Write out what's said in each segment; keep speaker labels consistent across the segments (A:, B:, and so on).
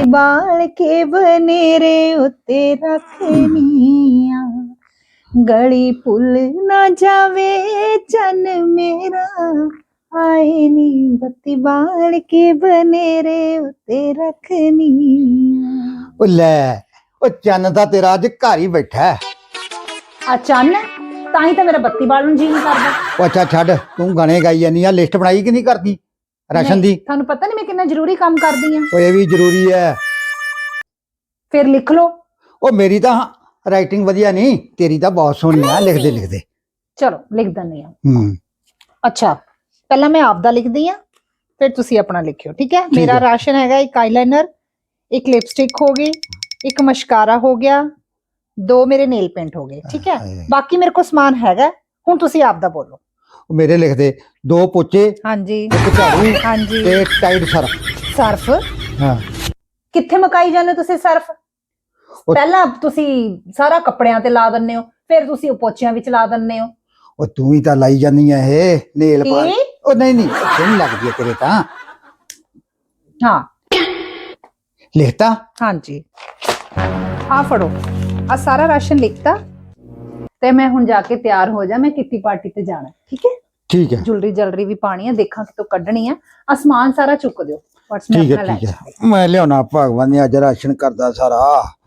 A: बाल के बनेरे उत्ते रखनिया गली पुल ना जावे चन मेरा आए नी बत्ती बाल के बनेरे उत्ते रखनिया।
B: ਉਹ ਲੈ ਉਹ ਚੰਨ ਦਾ ਤੇਰਾ ਅੱਜ ਘਰ ਹੀ ਬੈਠਾ ਹੈ।
A: चन ताही तो मेरा बत्ती बाल जी नहीं करदा।
B: ਉਹ ਅੱਛਾ ਛੱਡ ਤੂੰ ਗਾਣੇ ਗਾਈ ਜਾਨੀ ਆ ਲਿਸਟ ਬਣਾਈ ਕਿ ਨਹੀਂ ਕਰਦੀ ਰਾਸ਼ਨ ਦੀ?
A: थानू पता नहीं मैं कितना जरूरी काम करदी हां।
B: ਉਹ ਇਹ ਵੀ ਜ਼ਰੂਰੀ ਹੈ।
A: फिर लिख लो।
B: ਉਹ ਮੇਰੀ ਤਾਂ ਰਾਈਟਿੰਗ ਵਧੀਆ ਨਹੀਂ, ਤੇਰੀ ਤਾਂ ਬਹੁਤ ਸੋਹਣੀ ਆ ਲਿਖਦੇ ਲਿਖਦੇ।
A: चलो लिख दनी हां। अच्छा पहला मैं आपदा लिखदी हां फिर तुसी अपना लिखियो, ठीक है? मेरा
B: है।
A: राशन हैगा एक आईलाइनर, एक लिपस्टिक हो गई, एक मस्कारा हो गया, 2 मेरे नेल पेंट हो गए, ठीक है? बाकी मेरे को सामान हैगा, हुण तुसी आपदा बोलो।
B: ਉਹ ਮੇਰੇ ਲਿਖਦੇ 2 ਪੋਚੇ,
A: हाँ जी
B: ਇੱਕ ਝਾੜੂ
A: हाँ जी
B: ਤੇ ਟਾਈਡ ਸਰਫ।
A: सर्फ
B: ਹਾਂ
A: कित्थे मकाई जाने हो तुसी सर्फ? पहला तुसी सारा कपड़ियां ते ला दन्ने हो, फिर तुसी ਉਹ ਪੋਚਿਆਂ ਵਿੱਚ ਲਾ ਦੰਨੇ ਹੋ।
B: ਉਹ ਤੂੰ ਹੀ ਤਾਂ ਲਾਈ ਜਾਨੀ ਆ ਇਹ ਨੇਲ ਪਾ।
A: ਕੀ?
B: ਉਹ ਨਹੀਂ ਨਹੀਂ ਸੋਹਣੀ ਲੱਗਦੀ ਹੈ ਤੇਰੇ ਤਾਂ।
A: हाँ
B: ਲਿਖਤਾ?
A: हाँ जी आ फड़ो आ सारा राशन लिखता ते मैं हुण जाके तैयार हो जा, मैं किट्टी पार्टी ते जाना, ठीक है?
B: ठीक है
A: ज्वेलरी जलरी भी पानी है, देखा कि तो कड्ढनी है। आसमान सारा चुक दियो, पर्स में
B: ठीक
A: अपना
B: है
A: ले
B: ठीक है मैं लियाना भगवान ने अज राशन करदा सारा।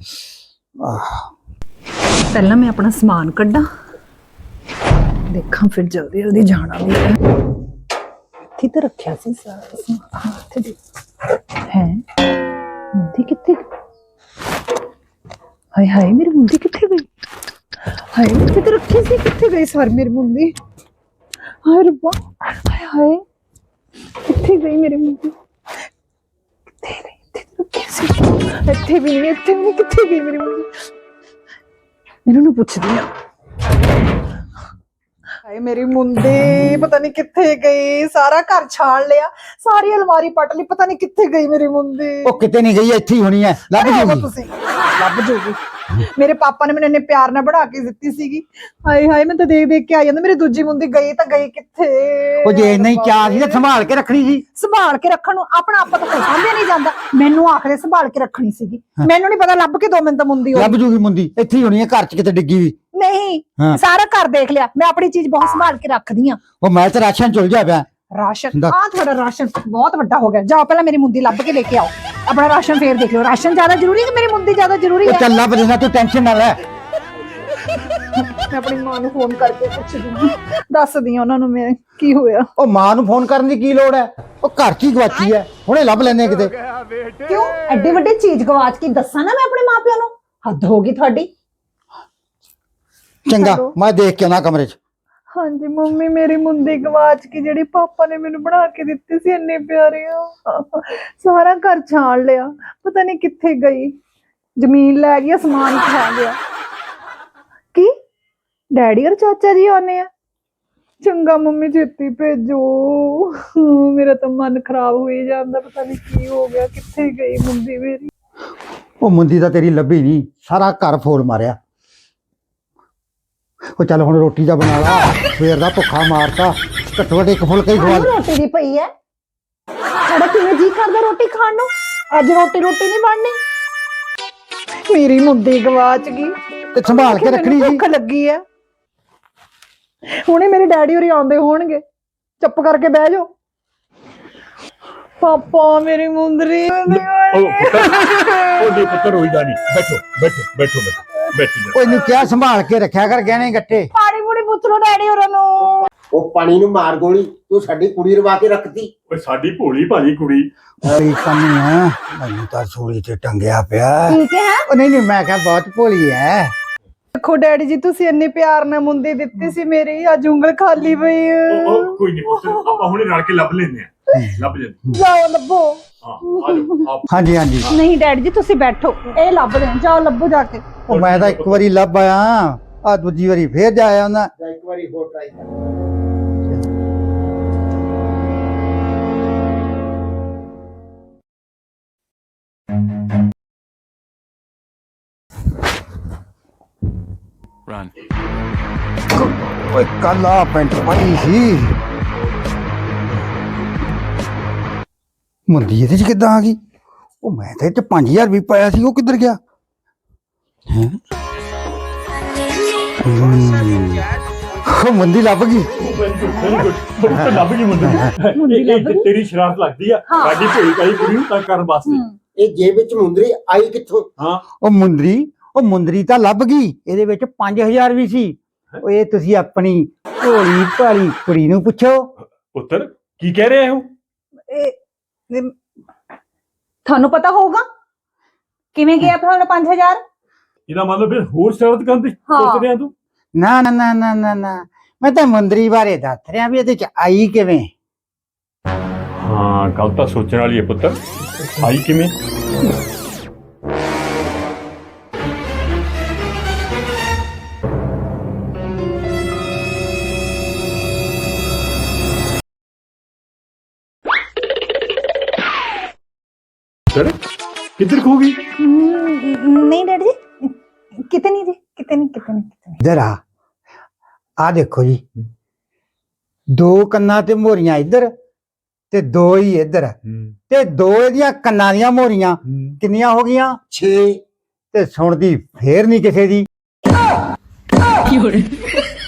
A: पहला मैं अपना समान कड्ढा, देखा फिर जल्दी जल्दी जाना भी है। इत्थे तो रखिया सी सारा समान। हाँ, इत्थे देख है मुंदी कित्थे? हाय हाय मेरी मुंदी कित्थे गई? हाय इत्थे तो रखी सी, कित्थे गई सारी मेरी मुंदी? हाय रब्बा, हाय हाय कित्थे गई मेरी मुंदी? कित्थे गई? इत्थे तो रखी सी, इत्थे भी नहीं, कित्थे गई मेरी मुंदी? इन्हों ਨੂੰ ਪੁੱਛਦੀ ਆ। ਹਾਏ ਮੇਰੀ ਮੁੰਦੀ ਪਤਾ ਨਹੀਂ ਕਿੱਥੇ ਗਈ, ਸਾਰਾ ਘਰ ਛਾਣ ਲਿਆ, ਸਾਰੀ ਅਲਮਾਰੀ ਪਟ ਲਈ, ਪਤਾ ਨਹੀਂ ਕਿੱਥੇ ਗਈ ਮੇਰੀ ਮੁੰਦੀ।
B: ਉਹ ਕਿਤੇ ਨਹੀਂ ਗਈ, ਇੱਥੇ ਹੀ ਹੋਣੀ ਹੈ, ਲੱਭ ਜੂਗੀ।
A: ਤੁਸੀਂ ਲੱਭ ਜੂਗੀ। ਮੇਰੇ ਪਾਪਾ ਨੇ ਮੈਨੂੰ ਇੰਨੇ ਪਿਆਰ ਨਾਲ ਬਣਾ ਕੇ ਦਿੱਤੀ ਸੀਗੀ। ਹਾਏ ਹਾਏ ਮੈਂ ਤਾਂ ਦੇਖ ਦੇਖ ਕੇ ਆ ਜਾਂਦਾ, ਮੇਰੀ ਦੂਜੀ ਮੁੰਦੀ ਗਈ ਤਾਂ ਗਈ ਕਿੱਥੇ?
B: ਉਹ ਜੇ ਨਹੀਂ ਚਾਹ ਸੀ ਤਾਂ ਸੰਭਾਲ ਕੇ ਰੱਖਣੀ ਸੀ।
A: ਸੰਭਾਲ ਕੇ ਰੱਖਣ ਨੂੰ ਆਪਣਾ ਆਪਾ ਤਾਂ ਕੋਈ ਸਾਂਭਿਆ ਨਹੀਂ ਜਾਂਦਾ, ਮੈਨੂੰ ਆਖਰੇ ਸੰਭਾਲ ਕੇ ਰੱਖਣੀ ਸੀਗੀ। ਮੈਨੂੰ ਨਹੀਂ ਪਤਾ, ਲੱਭ ਕੇ 2 ਮਿੰਟ ਤਾਂ ਮੁੰਦੀ
B: ਲੱਭ ਜੂਗੀ ਮੁੰਦੀ, ਇੱਥੇ ਹੀ ਹੋਣੀ ਹੈ ਘਰ 'ਚ ਕਿਤੇ ਡਿੱਗੀ ਵੀ
A: ਨਹੀਂ। ਸਾਰਾ ਘਰ ਦੇਖ ਲਿਆ, ਮੈਂ ਆਪਣੀ ਚੀਜ਼ ਬਹੁਤ ਸੰਭਾਲ ਕੇ ਰੱਖਦੀ ਆ।
B: ਉਹ ਮੈਂ ਤਾਂ ਰਾਸ਼ਨ ਚੁਲ ਜਾ ਪਿਆ।
A: ਰਾਸ਼ਨ ਆ ਤੁਹਾਡਾ ਰਾਸ਼ਨ ਬਹੁਤ ਵੱਡਾ ਹੋ ਗਿਆ, ਜਾਓ ਪਹਿਲਾਂ ਮੇਰੀ ਮੁੰਦੀ ਲੱਭ ਕੇ ਲੈ ਕੇ ਆਓ। ਆਪਣਾ ਰਾਸ਼ਨ ਫੇਰ ਦੇਖ ਲਿਓ, ਰਾਸ਼ਨ ਜ਼ਿਆਦਾ ਜ਼ਰੂਰੀ ਹੈ ਕਿ ਮੇਰੀ ਮੁੰਦੀ ਜ਼ਿਆਦਾ ਜ਼ਰੂਰੀ ਹੈ?
B: ਚੱਲ ਲੱਭ ਲੈਣਾ, ਤੂੰ ਟੈਨਸ਼ਨ ਨਾ ਲੈ।
A: ਮੈਂ ਆਪਣੀ ਮਾਂ ਨੂੰ ਫੋਨ ਕਰਕੇ ਪੁੱਛਦੀ, ਦੱਸਦੀ ਆ ਉਹਨਾਂ ਨੂੰ ਮੈਂ ਕੀ ਹੋਇਆ।
B: ਉਹ ਮਾਂ ਨੂੰ ਫੋਨ ਕਰਨ ਦੀ ਕੀ ਲੋੜ ਹੈ, ਉਹ ਘਰ 'ਚ ਹੀ ਗਵਾਚੀ ਹੈ, ਹੁਣੇ ਲੱਭ ਲੈਣੇ ਕਿਤੇ।
A: ਕਿਉਂ ਐਡੀ ਵੱਡੀ ਚੀਜ਼ ਗਵਾਚ ਕੇ ਦੱਸਾਂ ਨਾ ਮੈਂ ਆਪਣੇ ਮਾਪਿਆਂ ਨੂੰ? ਹੱਦ ਹੋ ਗਈ ਤੁਹਾਡੀ।
B: ਚੰਗਾ ਮੈਂ ਦੇਖ ਕੇ ਆਉਣਾ ਕਮਰੇ 'ਚ।
A: ਹਾਂਜੀ ਮੰਮੀ ਮੇਰੀ ਮੁੰਦੀ ਗਵਾਚ ਕੇ, ਜਿਹੜੀ ਪਾਪਾ ਨੇ ਮੈਨੂੰ ਬਣਾ ਕੇ ਦਿੱਤੀ ਸੀ ਇੰਨੇ ਪਿਆਰੇ, ਸਾਰਾ ਘਰ ਛਾਣ ਲਿਆ, ਪਤਾ ਨਹੀਂ ਕਿੱਥੇ ਗਈ। ਜ਼ਮੀਨ ਲੈ ਗਈ, ਸਮਾਨ ਖਾ ਗਿਆ। ਕੀ ਡੈਡੀ ਔਰ ਚਾਚਾ ਜੀ ਆਉਣੇ ਆ? ਚੰਗਾ ਮੰਮੀ ਛੇਤੀ ਭੇਜੋ, ਮੇਰਾ ਤਾਂ ਮਨ ਖਰਾਬ ਹੋਈ ਜਾਂਦਾ, ਪਤਾ ਨਹੀਂ ਕੀ ਹੋ ਗਿਆ, ਕਿੱਥੇ ਗਈ ਮੁੰਦੀ ਮੇਰੀ?
B: ਉਹ ਮੁੰਦੀ ਤਾਂ ਤੇਰੀ ਲੱਭੀ ਨਹੀਂ, ਸਾਰਾ ਘਰ ਫੋੜ ਮਾਰਿਆ। ਉਹ ਚੱਲ ਹੁਣ ਰੋਟੀ ਦਾ ਬਣਾ ਲਾ, ਸਵੇਰ ਦਾ ਭੁੱਖਾ ਮਾਰਤਾ, ਘੱਟੋ ਘੱਟ 1 ਫੁਲਕਾ ਹੀ ਖਵਾ।
A: ਰੋਟੀ ਦੀ ਪਈ ਹੈ, ਸਾਡਾ ਕਿਵੇਂ ਜੀ ਕਰਦਾ ਰੋਟੀ ਖਾਣ ਨੂੰ? ਅੱਜ ਰੋਟੀ ਨਹੀਂ ਬਣਨੀ। ਮੇਰੀ ਮੁੰਦੀ ਗਵਾਚ ਗਈ
B: ਤੇ ਸੰਭਾਲ ਕੇ ਰੱਖਣੀ ਸੀ।
A: ਭੁੱਖ ਲੱਗੀ ਹੈ, ਹੁਣੇ ਮੇਰੇ ਡੈਡੀ ਹੋਰੀ ਆਉਂਦੇ ਹੋਣਗੇ, ਚੁੱਪ ਕਰਕੇ ਬਹਿ ਜਾਓ। ਪਾਪਾ ਮੇਰੀ ਮੁੰਦਰੀ
C: ਉਹਦੇ ਪੁੱਤਰ ਹੋਈਦਾ ਨਹੀਂ, ਬੈਠੋ ਬੈਠੋ ਬੈਠੋ ਬੈਠੋ ਬੈਠੋ।
B: ਕੋਈ ਨਹੀਂ ਕਿਹਾ ਸੰਭਾਲ ਕੇ ਰੱਖਿਆ ਕਰ ਗਹਿਣੇ ਗੱਟੇ।
A: ਪਾਣੀ ਪੂਣੀ ਪੁੱਛ ਲੋ ਡੈਡੀ ਹੋਰਾਂ ਨੂੰ।
D: ਉਹ ਪਾਣੀ ਨੂੰ ਮਾਰ ਗੋਲੀ, ਤੂੰ ਸਾਡੀ ਕੁੜੀ ਰਵਾ ਕੇ ਰੱਖਤੀ।
C: ਓਏ ਸਾਡੀ ਭੋਲੀ ਭਾਜੀ ਕੁੜੀ।
B: ਕੋਈ ਕੰਮ ਹੈ ਮੈਨੂੰ ਤਾਂ ਸੂਲੀ ਤੇ ਟੰਗਿਆ ਪਿਆ।
A: ਠੀਕ ਹੈ।
B: ਉਹ ਨਹੀਂ ਮੈਂ ਕਿਹਾ ਬਹੁਤ ਭੋਲੀ ਹੈ।
A: ਦੇਖੋ ਡੈਡੀ ਜੀ ਤੁਸੀਂ ਇੰਨੇ ਪਿਆਰ ਨਾਲ ਮੁੰਦੀ ਦਿੱਤੀ ਸੀ ਮੇਰੀ, ਅੱਜ ਉਂਗਲ ਖਾਲੀ ਪਈ।
C: ਉਹ ਕੋਈ ਨਹੀਂ ਪੁੱਤਰ, ਆਪਾਂ ਹੁਣੇ ਰਲ ਕੇ ਲੱਭ ਲੈਨੇ ਆ, ਲੱਭ ਜਾਂਦੇ।
A: ਜਾਓ ਲੱਭੋ।
C: ਹਾਂ ਆ ਜਾਓ।
B: ਹਾਂਜੀ ਹਾਂਜੀ
A: ਨਹੀਂ ਡੈਡੀ ਜੀ ਤੁਸੀਂ ਬੈਠੋ, ਇਹ ਲੱਭਦੇ ਆ, ਜਾਓ ਲੱਭੋ ਜਾ ਕੇ।
B: ਉਹ ਮੈਂ ਤਾਂ 1 ਵਾਰੀ ਲੱਭ ਆਇਆ, ਆ ਦੂਜੀ ਵਾਰੀ ਫੇਰ ਜਾ ਆਇਆ ਉਹਨਾਂ।
D: ਇੱਕ ਵਾਰੀ ਹੋਰ ਟਰਾਈ ਕਰ।
E: Run.
B: ਓਏ ਕੱਲ ਆ ਪੈਂਟ ਪਾਈ ਸੀ, ਮੁੰਦੀ ਇਹਦੇ 'ਚ ਕਿੱਦਾਂ ਆ ਗਈ? ਉਹ ਮੈਂ ਤਾਂ ਇਹ ਚ 5000 ਵੀ ਪਾਇਆ ਸੀ, ਉਹ ਕਿੱਧਰ ਗਿਆ ਹੈ? ਉਹ ਮੁੰਦੀ ਲੱਭ ਗਈ।
C: ਵੈਰੀ ਗੁੱਡ ਪੁੱਤਰ ਲੱਭ ਗਈ ਮੁੰਦਰੀ ਤੇਰੀ ਸ਼ਰਾਰਤ ਲੱਗਦੀ ਆ
A: ਹਾਂ।
C: ਸਾਡੀ ਭੋਲੀ ਕਾਈ ਕੁੜੀ ਨੂੰ ਤੰਗ ਕਰਨ ਵਾਸਤੇ
D: ਇਹ ਜੇਬ ਵਿੱਚ ਮੁੰਦਰੀ ਆਈ ਕਿੱਥੋਂ?
C: ਹਾਂ
B: ਉਹ ਮੁੰਦਰੀ ਤਾਂ ਲੱਭ ਗਈ, ਇਹਦੇ ਵਿੱਚ 5000 ਵੀ ਸੀ। ਉਹ ਇਹ ਤੁਸੀਂ ਆਪਣੀ ਭੋਲੀ ਭਾਲੀ ਕੁੜੀ ਨੂੰ ਪੁੱਛੋ।
C: ਪੁੱਤਰ ਕੀ ਕਹਿ ਰਹੇ ਹੋ?
A: ਇਹ ਤੁਹਾਨੂੰ ਪਤਾ ਹੋਊਗਾ ਕਿਵੇਂ ਗਿਆ ਤੁਹਾਡਾ 5000?
C: ਇਹਦਾ ਮਤਲਬ ਫਿਰ ਹੋਰ ਸ਼ਰਾਰਤ ਕਰਨ ਦੀ ਸੋਚ ਰਿਹਾ ਤੂੰ?
B: ਨਾ ਨਾ ਨਾ ਨਾ ਨਾ ਨਾ, ਮੈਂ ਤਾਂ ਮੁੰਦਰੀ ਬਾਰੇ ਦੱਸ ਰਿਹਾ ਵੀ ਇਹਦੇ ਚ ਆਈ ਕਿਵੇਂ।
C: ਹਾਂ ਗੱਲ ਤਾਂ ਸੋਚਣ ਵਾਲੀ ਹੈ ਪੁੱਤਰ, ਆਈ ਕਿਵੇਂ? ਸਰ ਕਿੱਧਰ ਖੋ ਗਈ?
A: ਨਹੀਂ ਡੈਡੀ ਜੀ, ਕਿਤੇ ਨਹੀਂ ਜੀ, ਕਿਤੇ ਨਹੀਂ।
B: ਇੱਧਰ ਆ ਦੇਖੋ ਜੀ, 2 ਕੰਨਾਂ ਤੇ ਮੋਰੀਆਂ ਇੱਧਰ ਤੇ 2 ਹੀ ਇੱਧਰ, ਤੇ 2 ਇਹਦੀਆਂ ਕੰਨਾਂ ਦੀਆਂ ਮੋਰੀਆਂ ਕਿੰਨੀਆਂ ਹੋ ਗਈਆਂ?
D: 6।
B: ਤੇ ਸੁਣਦੀ ਫੇਰ ਨਹੀਂ ਕਿਸੇ ਦੀ।